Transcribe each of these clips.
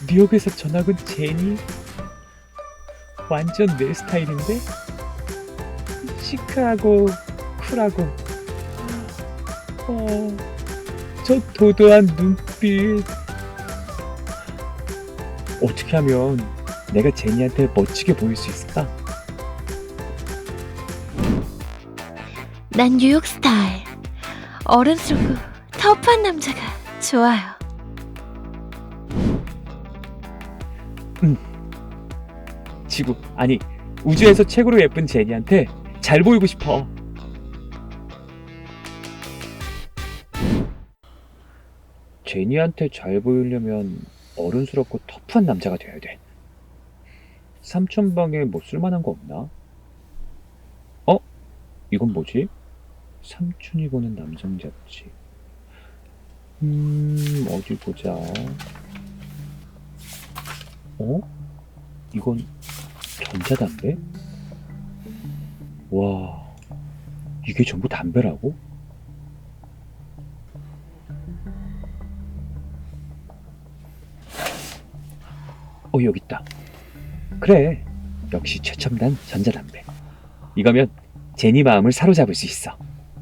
뉴욕에서 전학 온 제니? 완전 내 스타일인데? 시크하고 쿨하고 저 도도한 눈빛. 어떻게 하면 내가 제니한테 멋지게 보일 수 있을까? 난 뉴욕 스타일. 어른스럽고 터프한 남자가 좋아요. 지구, 아니 우주에서 최고로 예쁜 제니한테 잘 보이고 싶어. 제니한테 잘 보이려면 어른스럽고 터프한 남자가 돼야 돼. 삼촌방에 뭐 쓸만한 거 없나? 이건 뭐지? 삼촌이 보는 남성 잡지. 어디 보자. 이건 전자담배? 와, 이게 전부 담배라고? 여기 있다. 그래, 역시 최첨단 전자담배. 이거면 제니 마음을 사로잡을 수 있어.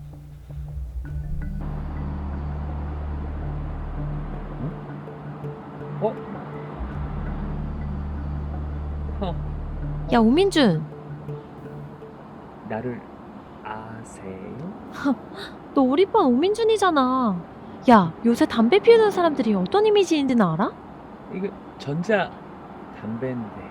야, 오민준. 나를 아세요? 너 우리 반 오민준이잖아. 야, 요새 담배 피우는 사람들이 어떤 이미지인지는 알아? 이거 전자 담배인데.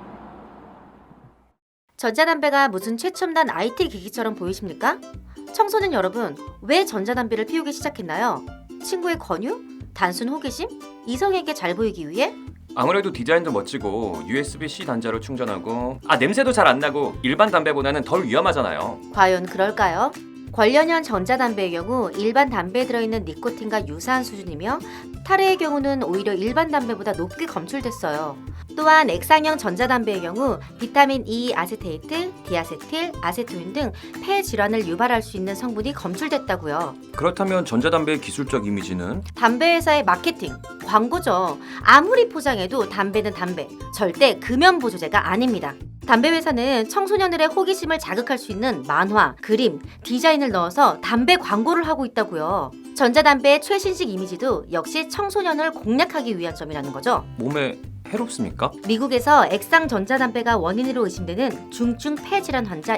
전자담배가 무슨 최첨단 IT 기기처럼 보이십니까? 청소년 여러분, 왜 전자담배를 피우기 시작했나요? 친구의 권유? 단순 호기심? 이성에게 잘 보이기 위해? 아무래도 디자인도 멋지고 USB-C 단자로 충전하고 냄새도 잘 안 나고 일반 담배보다는 덜 위험하잖아요. 과연 그럴까요? 관련형 전자담배의 경우 일반 담배에 들어있는 니코틴과 유사한 수준이며 타르의 경우는 오히려 일반 담배보다 높게 검출됐어요. 또한 액상형 전자담배의 경우 비타민 E 아세테이트, 디아세틸, 아세토인 등 폐 질환을 유발할 수 있는 성분이 검출됐다고요. 그렇다면 전자담배의 기술적 이미지는? 담배 회사의 마케팅, 광고죠. 아무리 포장해도 담배는 담배, 절대 금연 보조제가 아닙니다. 담배 회사는 청소년들의 호기심을 자극할 수 있는 만화, 그림, 디자인을 넣어서 담배 광고를 하고 있다고요. 전자담배의 최신식 이미지도 역시 청소년을 공략하기 위한 점이라는 거죠. 몸에 해롭습니까? 미국에서 액상 전자담배가 원인으로 의심되는 중증 폐질환 환자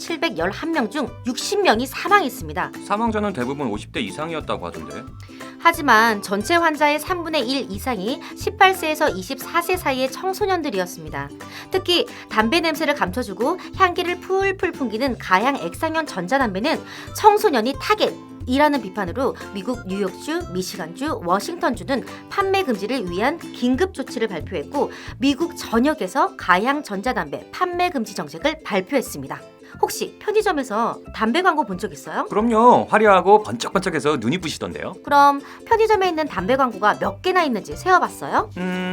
2,711명 중 60명이 사망했습니다. 사망자는 대부분 50대 이상이었다고 하던데. 하지만 전체 환자의 3분의 1 이상이 18세에서 24세 사이의 청소년들이었습니다. 특히 담배 냄새를 감춰주고 향기를 풀풀 풍기는 가양 액상형 전자담배는 청소년이 타겟이라는 비판으로 미국 뉴욕주, 미시간주, 워싱턴주는 판매 금지를 위한 긴급 조치를 발표했고 미국 전역에서 가양 전자담배 판매 금지 정책을 발표했습니다. 혹시 편의점에서 담배 광고 본 적 있어요? 그럼요. 화려하고 번쩍번쩍해서 눈이 부시던데요. 그럼 편의점에 있는 담배 광고가 몇 개나 있는지 세어봤어요?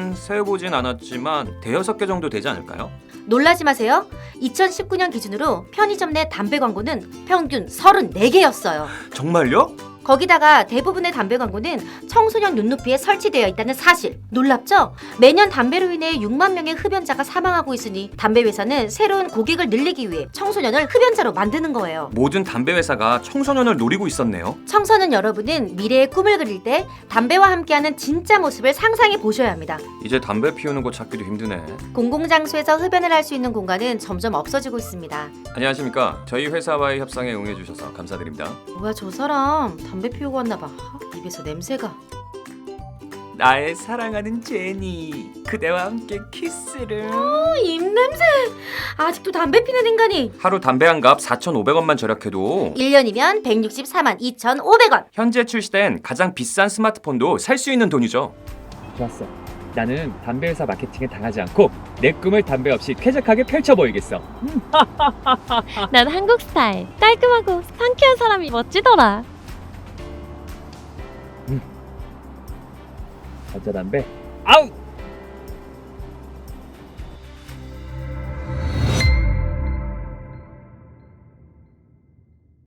세어보진 않았지만 대여섯 개 정도 되지 않을까요? 놀라지 마세요. 2019년 기준으로 편의점 내 담배 광고는 평균 34개였어요. 정말요? 거기다가 대부분의 담배 광고는 청소년 눈높이에 설치되어 있다는 사실. 놀랍죠? 매년 담배로 인해 6만 명의 흡연자가 사망하고 있으니 담배 회사는 새로운 고객을 늘리기 위해 청소년을 흡연자로 만드는 거예요. 모든 담배 회사가 청소년을 노리고 있었네요. 청소년 여러분은 미래의 꿈을 그릴 때 담배와 함께하는 진짜 모습을 상상해 보셔야 합니다. 이제 담배 피우는 곳 찾기도 힘드네. 공공장소에서 흡연을 할 수 있는 공간은 점점 없어지고 있습니다. 안녕하십니까. 저희 회사와의 협상에 응해주셔서 감사드립니다. 뭐야 저 사람 담배 피우고 왔나봐. 입에서 냄새가. 나의 사랑하는 제니, 그대와 함께 키스를. 입냄새. 아직도 담배 피는 인간이. 하루 담배 한 갑 4,500원만 절약해도 1년이면 164만 2,500원. 현재 출시된 가장 비싼 스마트폰도 살 수 있는 돈이죠. 좋았어. 나는 담배 회사 마케팅에 당하지 않고 내 꿈을 담배 없이 쾌적하게 펼쳐보이겠어. 난 한국 스타일. 깔끔하고 상쾌한 사람이 멋지더라. 전자담배 아웃!